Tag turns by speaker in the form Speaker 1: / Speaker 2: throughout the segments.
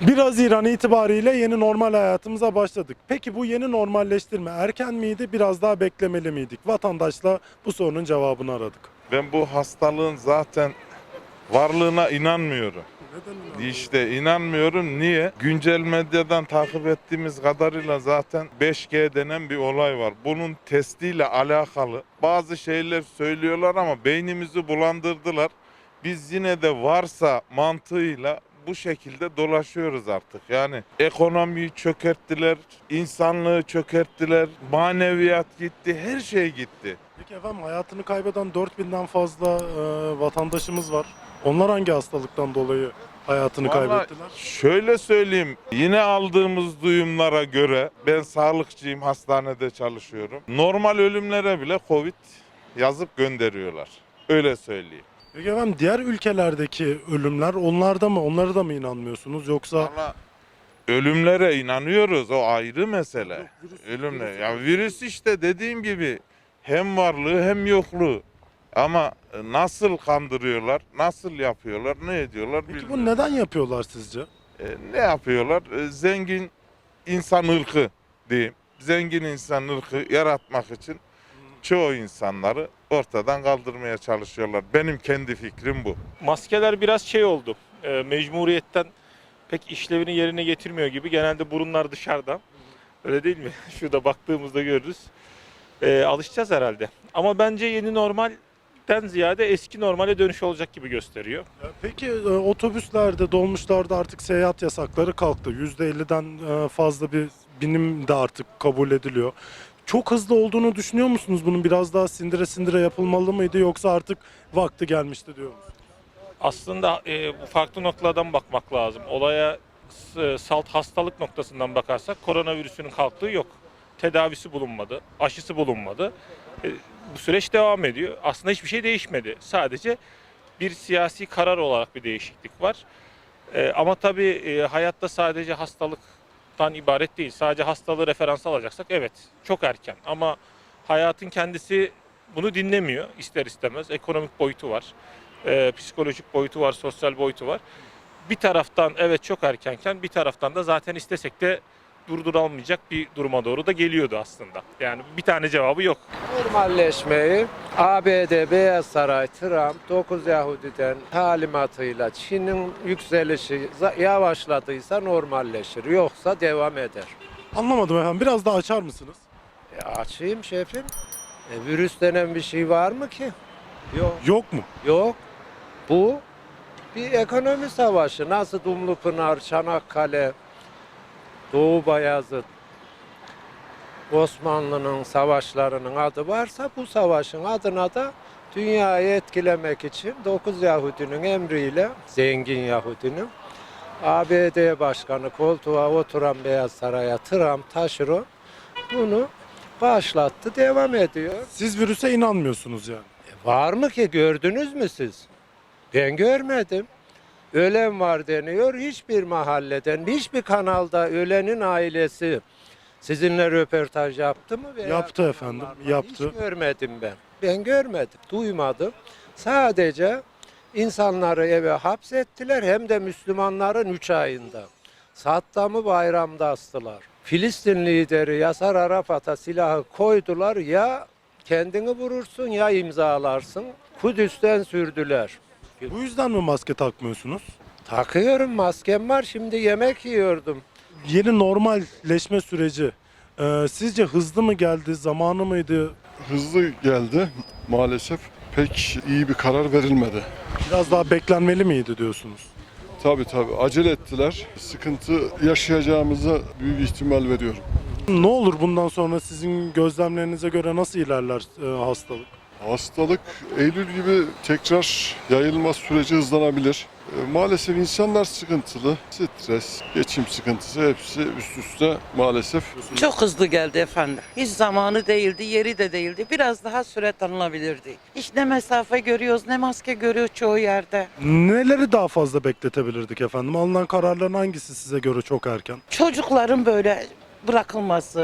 Speaker 1: 1 Haziran itibariyle yeni normal hayatımıza başladık. Peki bu yeni normalleştirme erken miydi, biraz daha beklemeli miydik? Vatandaşla bu sorunun cevabını aradık.
Speaker 2: Ben bu hastalığın zaten varlığına inanmıyorum.
Speaker 1: Neden
Speaker 2: İşte inanmıyorum. Niye? Güncel medyadan takip ettiğimiz kadarıyla zaten 5G denen bir olay var. Bunun testiyle alakalı bazı şeyler söylüyorlar ama beynimizi bulandırdılar. Biz yine de varsa mantığıyla bu şekilde dolaşıyoruz artık. Yani ekonomiyi çökerttiler, insanlığı çökerttiler, maneviyat gitti, her şey gitti.
Speaker 1: Peki efendim, hayatını kaybeden 4000'den fazla vatandaşımız var. Onlar hangi hastalıktan dolayı hayatını
Speaker 2: Vallahi
Speaker 1: kaybettiler?
Speaker 2: şöyle söyleyeyim, yine aldığımız duyumlara göre, ben sağlıkçıyım, hastanede çalışıyorum. Normal ölümlere bile Covid yazıp gönderiyorlar. Öyle söyleyeyim.
Speaker 1: Peki efendim, diğer ülkelerdeki ölümler, onlara da mı inanmıyorsunuz yoksa?
Speaker 2: Valla ölümlere inanıyoruz, o ayrı mesele.
Speaker 1: Yok,
Speaker 2: Ölümle.
Speaker 1: virüs-
Speaker 2: Ya virüs işte dediğim gibi hem varlığı hem yokluğu. Ama nasıl kandırıyorlar, nasıl yapıyorlar, ne ediyorlar
Speaker 1: Peki bu
Speaker 2: bilmiyorum.
Speaker 1: neden yapıyorlar sizce?
Speaker 2: Ne yapıyorlar? Zengin insan ırkı diyeyim. Zengin insan ırkı yaratmak için çoğu insanları ortadan kaldırmaya çalışıyorlar. Benim kendi fikrim bu.
Speaker 3: Maskeler biraz şey oldu. Mecburiyetten pek işlevini yerine getirmiyor gibi. Genelde burunlar dışarıda. Öyle değil mi? Şurada baktığımızda görürüz. Alışacağız herhalde. Ama bence yeni normalden ziyade eski normale dönüş olacak gibi gösteriyor.
Speaker 1: Peki otobüslerde, dolmuşlarda artık seyahat yasakları kalktı. %50'den fazla bir binim de artık kabul ediliyor. Çok hızlı olduğunu düşünüyor musunuz? Bunun biraz daha sindire sindire yapılmalı mıydı, yoksa artık vakti gelmişti diyor musunuz?
Speaker 3: Aslında bu farklı noktalardan bakmak lazım. Olaya salt hastalık noktasından bakarsak koronavirüsünün kalktığı yok. Tedavisi bulunmadı, aşısı bulunmadı. Bu süreç devam ediyor. Aslında hiçbir şey değişmedi. Sadece bir siyasi karar olarak bir değişiklik var. Ama tabii hayatta sadece hastalıktan ibaret değil. Sadece hastalığı referans alacaksak evet çok erken. Ama hayatın kendisi bunu dinlemiyor ister istemez. Ekonomik boyutu var, psikolojik boyutu var, sosyal boyutu var. Bir taraftan evet çok erkenken bir taraftan da zaten istesek de durdurulamayacak bir duruma doğru da geliyordu aslında. Yani bir tane cevabı yok.
Speaker 4: Normalleşmeyi ABD, Beyaz Saray, Trump, 9 Yahudi'den talimatıyla Çin'in yükselişi yavaşladıysa normalleşir. Yoksa devam eder.
Speaker 1: Anlamadım efendim. Biraz daha açar mısınız?
Speaker 4: Açayım şefim. Virüs denen bir şey var mı ki? Yok.
Speaker 1: Yok mu?
Speaker 4: Yok. Bu bir ekonomi savaşı. Nasıl Dumlupınar, Çanakkale, Doğu Bayazıt, Osmanlı'nın savaşlarının adı varsa bu savaşın adına da dünyayı etkilemek için 9 Yahudinin emriyle, zengin Yahudinin, ABD Başkanı koltuğa oturan Beyaz Saray'a Trump taşıro bunu başlattı, devam ediyor.
Speaker 1: Siz virüse inanmıyorsunuz yani.
Speaker 4: Var mı ki, gördünüz mü siz? Ben görmedim. Ölen var deniyor, hiçbir mahalleden, hiçbir kanalda ölenin ailesi sizinle röportaj yaptı mı? Veya
Speaker 1: Yaptı efendim,
Speaker 4: kanallarla?
Speaker 1: yaptı.
Speaker 4: Hiç görmedim ben. Ben görmedim, duymadım. Sadece insanları eve hapsettiler, hem de Müslümanların 3 ayında. Saddam'ı bayramda astılar. Filistin lideri Yasar Arafat'a silahı koydular, ya kendini vurursun ya imzalarsın. Kudüs'ten sürdüler.
Speaker 1: Bu yüzden mi maske takmıyorsunuz?
Speaker 4: Takıyorum, maskem var, şimdi yemek yiyordum.
Speaker 1: Yeni normalleşme süreci sizce hızlı mı geldi, zamanı mıydı?
Speaker 5: Hızlı geldi maalesef. Pek iyi bir karar verilmedi.
Speaker 1: Biraz daha beklenmeli miydi diyorsunuz?
Speaker 5: Tabii acele ettiler. Sıkıntı yaşayacağımıza büyük ihtimal veriyorum.
Speaker 1: Ne olur bundan sonra, sizin gözlemlerinize göre nasıl ilerler hastalık?
Speaker 5: Hastalık Eylül gibi tekrar yayılma süreci hızlanabilir. Maalesef insanlar sıkıntılı. Stres, geçim sıkıntısı hepsi üst üste maalesef.
Speaker 6: Çok hızlı geldi efendim. Hiç zamanı değildi, yeri de değildi. Biraz daha süre tanınabilirdi. Hiç ne mesafe görüyoruz, ne maske görüyoruz çoğu yerde.
Speaker 1: Neleri daha fazla bekletebilirdik efendim? Alınan kararların hangisi size göre çok erken?
Speaker 6: Çocukların böyle bırakılması,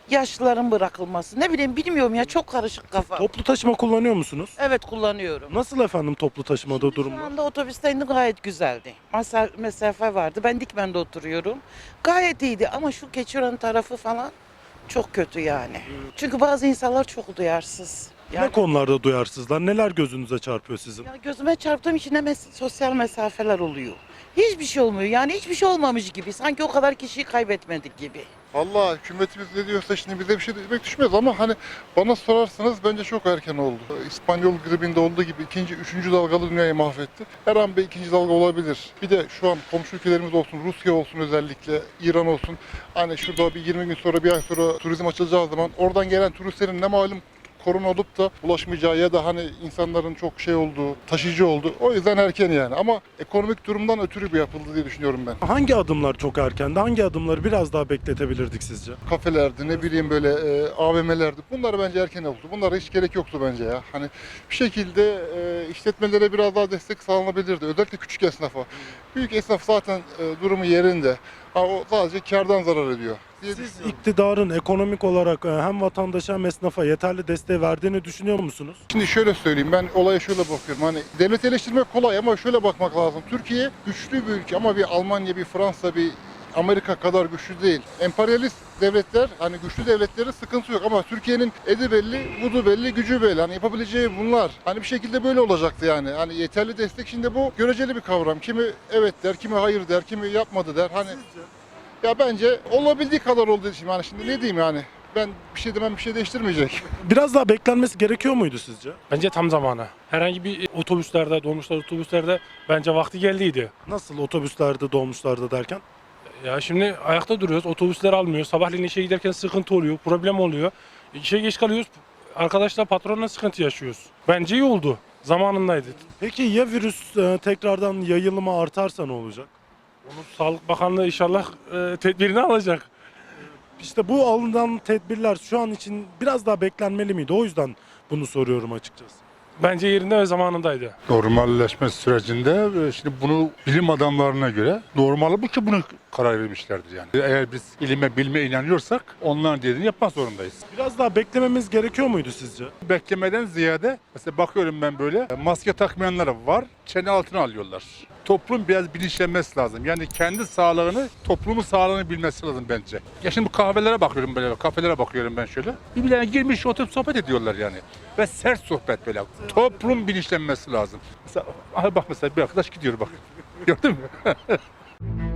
Speaker 6: Yaşlıların bırakılması. Ne bileyim bilmiyorum ya, çok karışık kafa.
Speaker 1: Toplu taşıma kullanıyor musunuz?
Speaker 6: Evet, kullanıyorum.
Speaker 1: Nasıl efendim toplu taşımada
Speaker 6: Şu
Speaker 1: durumlar?
Speaker 6: anda otobüste indim, gayet güzeldi. Mesafe vardı. Ben Dikmen'de oturuyorum. Gayet iyiydi ama şu Keçiören tarafı falan çok kötü yani. Çünkü bazı insanlar çok duyarsız.
Speaker 1: Ne konularda duyarsızlar? Neler gözünüze çarpıyor sizin?
Speaker 6: Ya gözüme çarptığım için hemen sosyal mesafeler oluyor. Hiçbir şey olmuyor yani, hiçbir şey olmamış gibi. Sanki o kadar kişiyi kaybetmedik gibi.
Speaker 7: Vallahi hükümetimiz ne diyorsa şimdi bize bir şey demek düşmez ama hani bana sorarsanız bence çok erken oldu. İspanyol gribinde olduğu gibi ikinci, üçüncü dalgalı dünyayı mahvetti. Her an bir ikinci dalga olabilir. Bir de şu an komşu ülkelerimiz olsun, Rusya olsun özellikle, İran olsun. Hani şurada bir 20 gün sonra, bir ay sonra turizm açılacağı zaman oradan gelen turistlerin ne malum korona olup da ulaşmayacağı ya da hani insanların çok şey olduğu, taşıyıcı olduğu. O yüzden erken yani ama ekonomik durumdan ötürü bir yapıldı diye düşünüyorum ben.
Speaker 1: Hangi adımlar çok erkendi? Hangi adımları biraz daha bekletebilirdik sizce?
Speaker 7: Kafelerdi, ne bileyim böyle AVM'lerdi. Bunlar bence erken oldu. Bunlara hiç gerek yoktu bence ya. Hani bir şekilde işletmelere biraz daha destek sağlanabilirdi. Özellikle küçük esnafa. Büyük esnaf zaten durumu yerinde. Ha, o sadece kardan zarar ediyor diye
Speaker 1: Siz
Speaker 7: düşünüyorum.
Speaker 1: iktidarın ekonomik olarak hem vatandaşa hem esnafa yeterli desteği verdiğini düşünüyor musunuz?
Speaker 7: Şimdi şöyle söyleyeyim, ben olaya şöyle bakıyorum. Hani devlet eleştirmek kolay ama şöyle bakmak lazım. Türkiye güçlü bir ülke ama bir Almanya, bir Fransa, bir Amerika kadar güçlü değil. Emperyalist devletler, hani güçlü devletlerin sıkıntı yok ama Türkiye'nin edi belli, budu belli, gücü belli. Hani yapabileceği bunlar. Hani bir şekilde böyle olacaktı yani. Hani yeterli destek, şimdi bu göreceli bir kavram. Kimi evet der, kimi hayır der, kimi yapmadı der. Hani ya bence olabildiği kadar oldu şimdi. Hani şimdi ne diyeyim yani? Ben bir şey demem, bir şey değiştirmeyecek.
Speaker 1: Biraz daha beklenmesi gerekiyor muydu sizce?
Speaker 8: Bence tam zamanı. Herhangi bir otobüslerde, dolmuşlar otobüslerde bence vakti geldiydi.
Speaker 1: Nasıl otobüslerde, dolmuşlarda derken?
Speaker 8: Ya şimdi ayakta duruyoruz, otobüsler almıyor. Sabahleyin işe giderken sıkıntı oluyor, problem oluyor. İşe geç kalıyoruz, arkadaşlar patronla sıkıntı yaşıyoruz. Bence iyi oldu, zamanındaydı.
Speaker 1: Peki ya virüs tekrardan yayılımı artarsa ne olacak?
Speaker 8: Onu Sağlık Bakanlığı inşallah tedbirini alacak.
Speaker 1: İşte bu alınan tedbirler şu an için biraz daha beklenmeli miydi? O yüzden bunu soruyorum açıkçası.
Speaker 8: Bence yerinde ve zamanındaydı.
Speaker 9: Normalleşme sürecinde şimdi bunu bilim adamlarına göre normal bu ki bunu karar vermişlerdir yani. Eğer biz ilime bilme inanıyorsak onların dediğini yapmak zorundayız.
Speaker 1: Biraz daha beklememiz gerekiyor muydu sizce?
Speaker 9: Beklemeden ziyade mesela bakıyorum ben böyle maske takmayanlar var, çene altına alıyorlar. Toplum biraz bilinçlenmesi lazım. Yani kendi sağlığını, toplumun sağlığını bilmesi lazım bence. Ya şimdi bu kahvelere bakıyorum böyle, kafelere bakıyorum ben şöyle. Birbirlerine girmiş oturup sohbet ediyorlar yani. Ve sert sohbet böyle. Toplum bilinçlenmesi lazım. Mesela, aha bak mesela bir arkadaş gidiyor bak. Gördün mü?